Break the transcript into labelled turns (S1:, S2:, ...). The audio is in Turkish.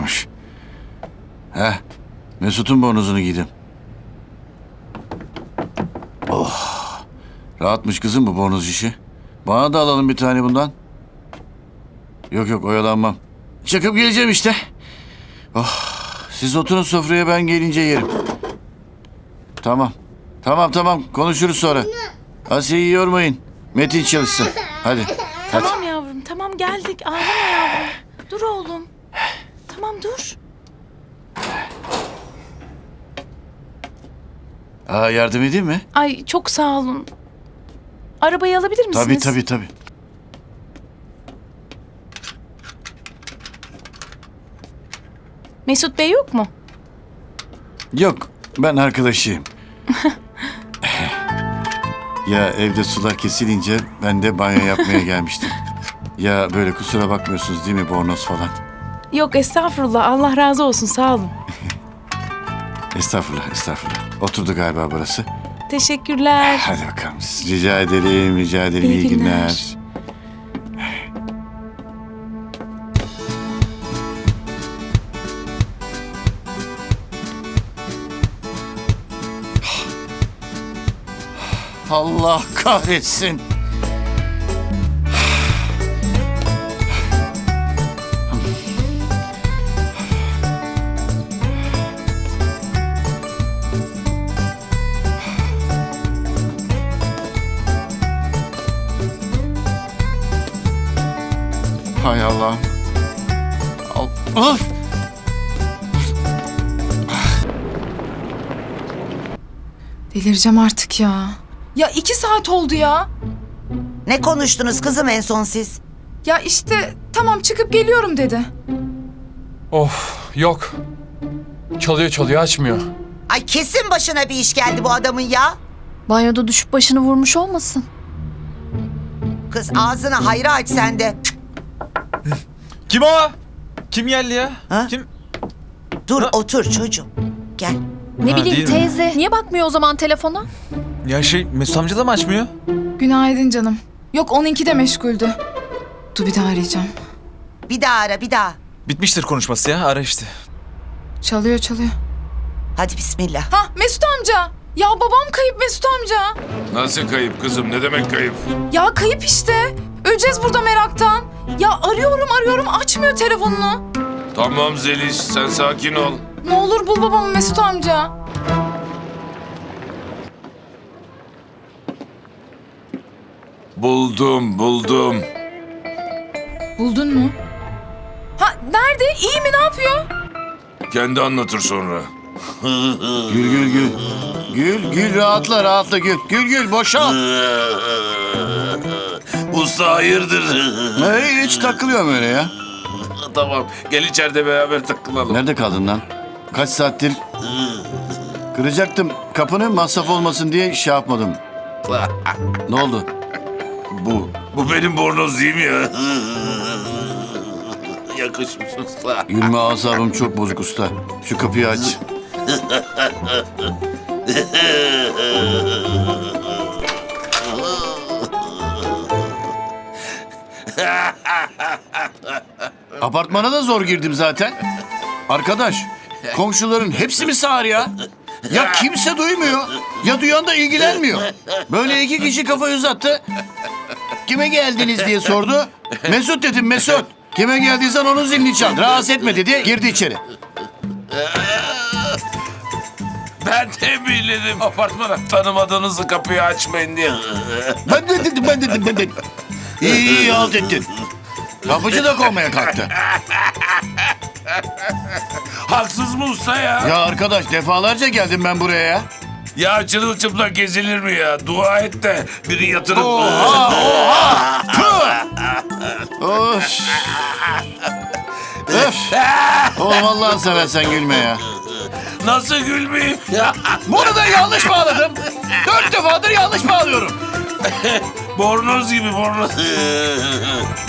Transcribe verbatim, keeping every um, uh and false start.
S1: varmış. Heh, Mesut'un bornozunu giydim. Oh, rahatmış kızım bu bornoz işi. Bana da alalım bir tane bundan. Yok yok, oyalanmam. Çıkıp geleceğim işte. Oh, siz oturun sofraya, ben gelince yerim. Tamam. Tamam tamam, konuşuruz sonra. Asiye'yi yormayın. Metin çalışsın. Hadi. Hadi.
S2: Tamam yavrum, tamam geldik. Ağlama yavrum. Dur oğlum. Tamam dur.
S1: Aa, yardım edeyim mi?
S2: Ay çok sağ olun. Arabayı alabilir misiniz?
S1: Tabii tabii tabii.
S2: Mesut Bey yok mu?
S1: Yok, ben arkadaşıyım. Ya evde sular kesilince ben de banyo yapmaya gelmiştim. Ya böyle kusura bakmıyorsunuz değil mi, bornoz falan?
S2: Yok estağfurullah. Allah razı olsun. Sağ olun.
S1: Estağfurullah, estağfurullah. Oturdu galiba burası.
S2: Teşekkürler.
S1: Hadi bakalım. Rica ederim, rica ederim.
S2: İyi
S1: İyi,
S2: günler.
S1: günler. Allah kahretsin. Hay Allah. Al. Ah!
S3: Delireceğim artık ya. Ya iki saat oldu ya.
S4: Ne konuştunuz kızım en son siz?
S3: Ya işte tamam çıkıp geliyorum dedi.
S5: Of yok. Çalıyor çalıyor açmıyor.
S4: Ay kesin başına bir iş geldi bu adamın ya.
S6: Banyoda düşüp başını vurmuş olmasın?
S4: Kız ağzını hayra aç sen de.
S5: Kim o? Kim geldi ya?
S4: Ha?
S5: Kim?
S4: Dur
S5: Ha?
S4: otur çocuğum. Gel.
S6: Ne
S5: Ha,
S6: bileyim
S5: değil mi?
S6: teyze. Niye bakmıyor o zaman telefona?
S5: Ya şey Mesut amca da mı açmıyor?
S3: Günaydın canım. Yok onunki de meşguldü. Dur bir daha arayacağım.
S4: Bir daha ara bir daha.
S5: Bitmiştir konuşması ya, ara işte.
S3: Çalıyor çalıyor.
S4: Hadi bismillah.
S3: Ha Mesut amca. Ya babam kayıp Mesut amca.
S7: Nasıl kayıp kızım? Ne demek kayıp?
S3: Ya kayıp işte. Öleceğiz burada meraktan. Ya arıyorum arıyorum açmıyor telefonunu.
S7: Tamam Zeliş, sen sakin ol.
S3: Ne olur bul babamı Mesut amca.
S7: Buldum, buldum.
S3: Buldun mu? Ha nerede? İyi mi? Ne yapıyor?
S7: Kendi anlatır sonra.
S1: Gül gül gül. Gül gül, rahatla rahatla gül. Gül gül, boşal.
S7: Usta hayırdır?
S1: Hey, hiç takılıyorum öyle ya.
S7: Tamam, gel içeride beraber takılalım.
S1: Nerede kaldın lan? Kaç saattir kıracaktım kapını, masraf olmasın diye şey yapmadım. Ne oldu?
S7: Bu, bu benim bornoz değil mi ya? Yakışmış usta.
S1: Gülme, asabım çok bozuk usta. Şu kapıyı aç. Apartmana da zor girdim zaten. Arkadaş, komşuların hepsi mi sağır ya? Ya kimse duymuyor, ya duyan da ilgilenmiyor. Böyle iki kişi kafayı uzattı. Kime geldiniz diye sordu. Mesut dedim, Mesut. Kime geldiysen onun zilini çal. Rahatsız etme dedi, girdi içeri.
S7: Ben de bildim apartmana tanımadığınızı kapıyı açmayın diye.
S1: Ben de dedim, ben dedim, ben dedim. İyi iyi, halt ettin. Kapıcı da kovmaya kalktı.
S7: Haksız mı usta ya?
S1: Ya arkadaş, defalarca geldim ben buraya ya.
S7: Ya çırılçıplak gezilir mi ya? Dua et de biri yatırıp...
S1: Oha, oha! Tüh! Of! Öf! Oğlum Allah'ını seversen gülme ya.
S7: Nasıl gülmeyeyim ya?
S1: Bunu da yanlış bağladım. Dört defadır yanlış bağlıyorum.
S7: Bornoz gibi bornoz.